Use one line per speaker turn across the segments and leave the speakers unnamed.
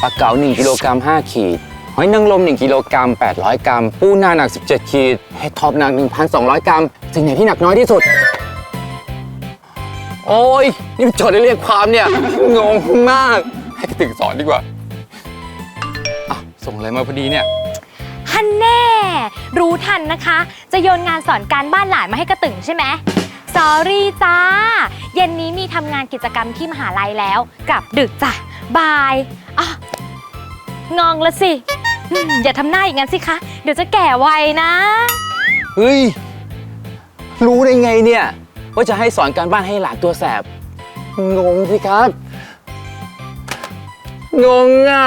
ลาเก๋า1 กิโลกรัม 5 ขีดหอยนางรม1 กิโลกรัม 800 กรัมปูนาหนัก17 ขีดเห็ดทอบหนัก 1,200 กรัมสิ่งไหนที่หนักน้อยที่สุดโอ้ยนี่มันโจทย์ได้เรียกความเนี่ยงงมากให้กระตึงสอนดีกว่าส่งอะไรมาพอดีเนี่ย
ฮันแน่รู้ทันนะคะ จะโยนงานสอนการบ้านหลานมาให้กระตึงใช่ไหมสอรี่จ้าเย็นนี้มีทำงานกิจกรรมที่มหาลัยแล้วกลับดึกจ้ะบายงองละสิอย่าทำหน้าอย่างนั้นสิคะเดี๋ยวจะแก่ไวนะ
เฮ้ยรู้ได้ไงเนี่ยว่าจะให้สอนการบ้านให้หลานตัวแสบงงสิครับงงอ่ะ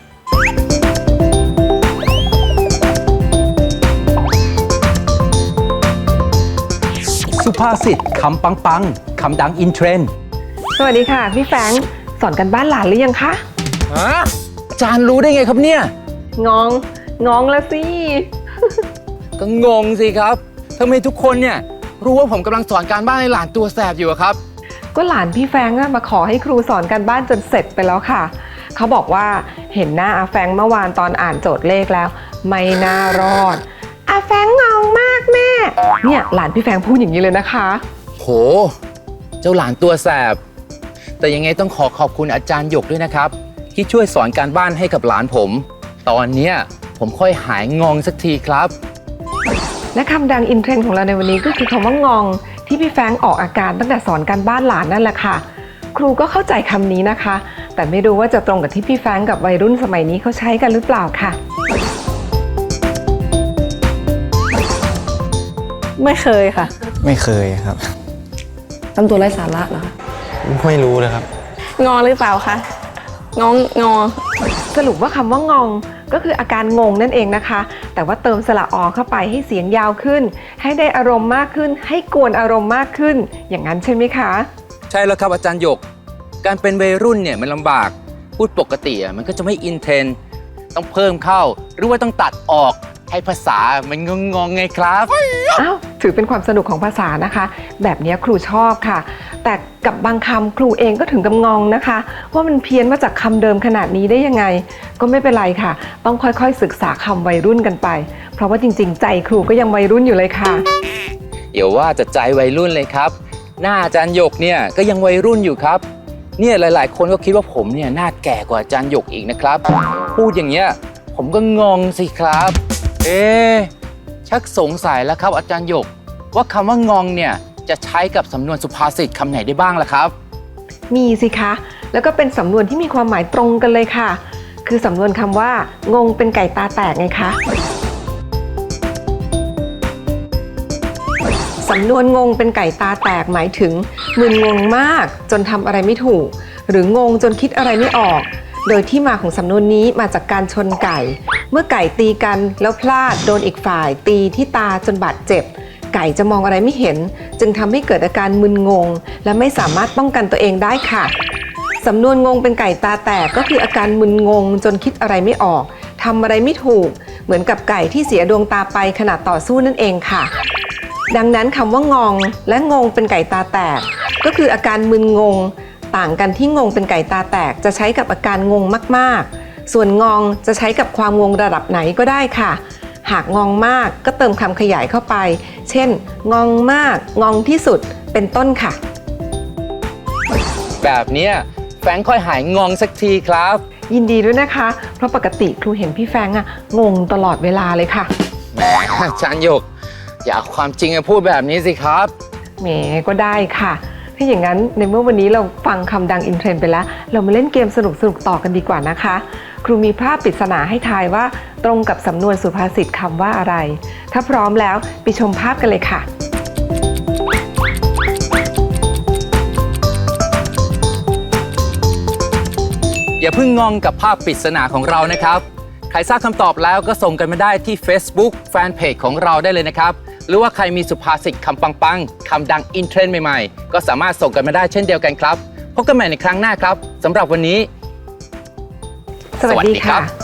สุภาษิตคำปังคำดังอินเทรนด์
สวัสดีค่ะพี่แฟรงค์สอนกันบ้านหลานหรือยังคะ
อาจารย์รู้ได้ไงครับเนี่ย
งองละสิ
ก็งงสิครับทำไมทุกคนเนี่ยรู้ว่าผมกำลังสอนการบ้านให้หลานตัวแสบอยู่ครับ
ก็หลานพี่แฟรงค์มาขอให้ครูสอนการบ้านจนเสร็จไปแล้วค่ะเขาบอกว่าเห็นหน้าอาแฟรงค์เมื่อวานตอนอ่านโจทย์เลขแล้วไม่น่ารอดอาแฟรงค์งงมากแม่เนี่ยหลานพี่แฟรงค์พูดอย่างนี้เลยนะคะ
โหเจ้าหลานตัวแสบแต่ยังไงต้องขอบคุณอาจารย์หยกด้วยนะครับที่ช่วยสอนการบ้านให้กับหลานผมตอนเนี้ยผมค่อยหายงงสักทีครับ
และคำดังอินเทรนด์ของเราในวันนี้ก็คือคำว่างงที่พี่แฟรงค์ออกอาการตั้งแต่สอนการบ้านหลานนั่นแหละค่ะครูก็เข้าใจคำนี้นะคะแต่ไม่รู้ว่าจะตรงกับที่พี่แฟรงค์กับวัยรุ่นสมัยนี้เขาใช้กันหรือเปล่าค่ะ
ไม่เคยค่ะ
ไม่เคยครับ
ทำตัวไร้สาระเหรอ
ไม่รู้เลยครับ
งอหรือเปล่าคะงอ
สรุปว่าคำว่างงก็คืออาการงงนั่นเองนะคะแต่ว่าเติมสระอเข้าไปให้เสียงยาวขึ้นให้ได้อารมณ์มากขึ้นให้กวนอารมณ์มากขึ้นอย่างนั้นใช่ไหมคะ
ใช่แล้วครับอาจารย์หยกการเป็นวัยรุ่นเนี่ยมันลำบากพูดปกติมันก็จะไม่อินเทรนด์ต้องเพิ่มเข้าหรือว่าต้องตัดออกให้ภาษามันงงไงครับ
อ้าวถือเป็นความสนุกของภาษานะคะแบบนี้ครูชอบค่ะแต่กับบางคำครูเองก็ถึงกับงงนะคะว่ามันเพี้ยนมาจากคำเดิมขนาดนี้ได้ยังไงก็ไม่เป็นไรค่ะต้องค่อยๆศึกษาคำวัยรุ่นกันไปเพราะว่าจริงๆใจครูก็ยังวัยรุ่นอยู่เลยค่ะ
เดี๋ยวว่าจะใจวัยรุ่นเลยครับหน้าอาจารย์หยกเนี่ยก็ยังวัยรุ่นอยู่ครับเนี่ยหลายๆคนก็คิดว่าผมเนี่ยหน้าแก่กว่าอาจารย์หยกอีกนะครับพูดอย่างเงี้ยผมก็งงสิครับชักสงสัยแล้วครับอาจารย์หยกว่าคำว่างงเนี่ยจะใช้กับสำนวนสุภาษิตคำไหนได้บ้างล่ะครับ
มีสิคะแล้วก็เป็นสำนวนที่มีความหมายตรงกันเลยค่ะคือสำนวนคำว่างงเป็นไก่ตาแตกไงคะสำนวนงงเป็นไก่ตาแตกหมายถึงมึนงงมากจนทำอะไรไม่ถูกหรืองงจนคิดอะไรไม่ออกโดยที่มาของสำนวนนี้มาจากการชนไก่เมื่อไก่ตีกันแล้วพลาดโดนอีกฝ่ายตีที่ตาจนบาดเจ็บไก่จะมองอะไรไม่เห็นจึงทำให้เกิดอาการมึนงงและไม่สามารถป้องกันตัวเองได้ค่ะสำนวนงงเป็นไก่ตาแตกก็คืออาการมึนงงจนคิดอะไรไม่ออกทำอะไรไม่ถูกเหมือนกับไก่ที่เสียดวงตาไปขณะต่อสู้นั่นเองค่ะดังนั้นคำว่างงและงงเป็นไก่ตาแตกก็คืออาการมึนงงต่างกันที่งงเป็นไก่ตาแตกจะใช้กับอาการงงมากๆส่วนงงจะใช้กับความงงระดับไหนก็ได้ค่ะหากงงมากก็เติมคำขยายเข้าไปเช่นงงมากงงที่สุดเป็นต้นค่ะ
แบบนี้แฟรงค์ค่อยหายงงสักทีครับ
ยินดีด้วยนะคะเพราะปกติครูเห็นพี่แฟรงค์งงตลอดเวลาเลยค่ะ
แหมอาจารย์หยกอย่าเอาความจริงมาพูดแบบนี้สิครับ
แหมก็ได้ค่ะถ้าอย่างนั้นในเมื่อวันนี้เราฟังคำดังอินเทรนด์ไปแล้วเรามาเล่นเกมสนุกต่อกันดีกว่านะคะครูมีภาพปริศนาให้ทายว่าตรงกับสำนวนสุภาษิตคำว่าอะไรถ้าพร้อมแล้วไปชมภาพกันเลยค่ะ
อย่าเพิ่งงงกับภาพปริศนาของเรานะครับใครทราบคำตอบแล้วก็ส่งกันมาได้ที่ Facebook Fanpage ของเราได้เลยนะครับหรือว่าใครมีสุภาษิตคำปังๆคำดังอินเทรนด์ใหม่ๆก็สามารถส่งกันมาได้เช่นเดียวกันครับพบกันใหม่ในครั้งหน้าครับสำหรับวันนี้
สวัสดีค่ะ